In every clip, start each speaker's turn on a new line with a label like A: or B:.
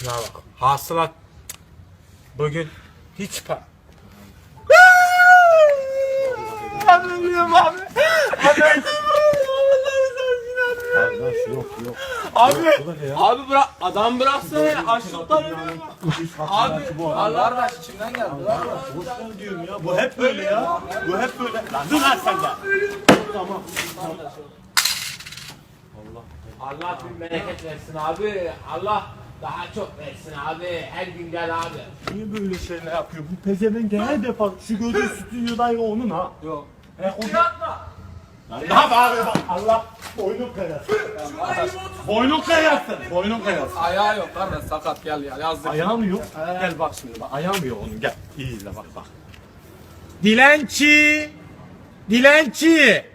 A: Şuna bak. Hasılat bugün hiç Ben ölüyorum abi.
B: Kardeş yok.
A: Abi bırak, adam bıraksana ya, açlıktan ölüyorum. Abi, Allah
C: Kardeş içimden geldi.
B: Boşver diyorum ya. Bu hep böyle ya. Bu hep böyle. Lan dur lan sen de. Tamam.
A: Allah bin bereket versin abi. Allah daha çok versin abi. Her gün gel abi.
B: Niye böyle şeyler yapıyor? Bu pezevenk her defa şu gördüğün stüdyodayı onun ha.
C: Yok.
B: O ne yapıyor? Allah boynun kayasın. Boynun kayasın. Boynun kayasın.
C: Ayağı yok kardeş sakat gel ya yazdık.
B: Ayağım yok. Gel bak şimdi bak. Ayağım yok onun. Gel. İyi izle bak.
A: Dilenci. Dilenci.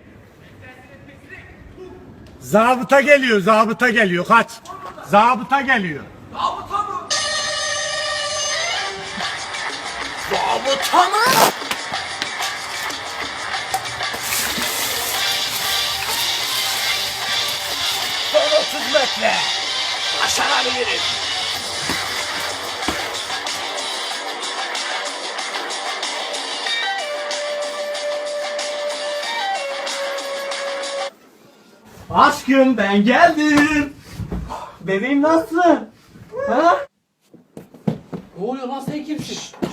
A: Zabıta geliyor. Kaç. Zabıta geliyor.
C: Zabıta mı?
A: Zabıta mı? Son 30 metre. Başarabilirim.
B: Aşkım ben geldim. Bebeğim nasılsın? Ha?
C: Ne oluyor lan sen kimsin?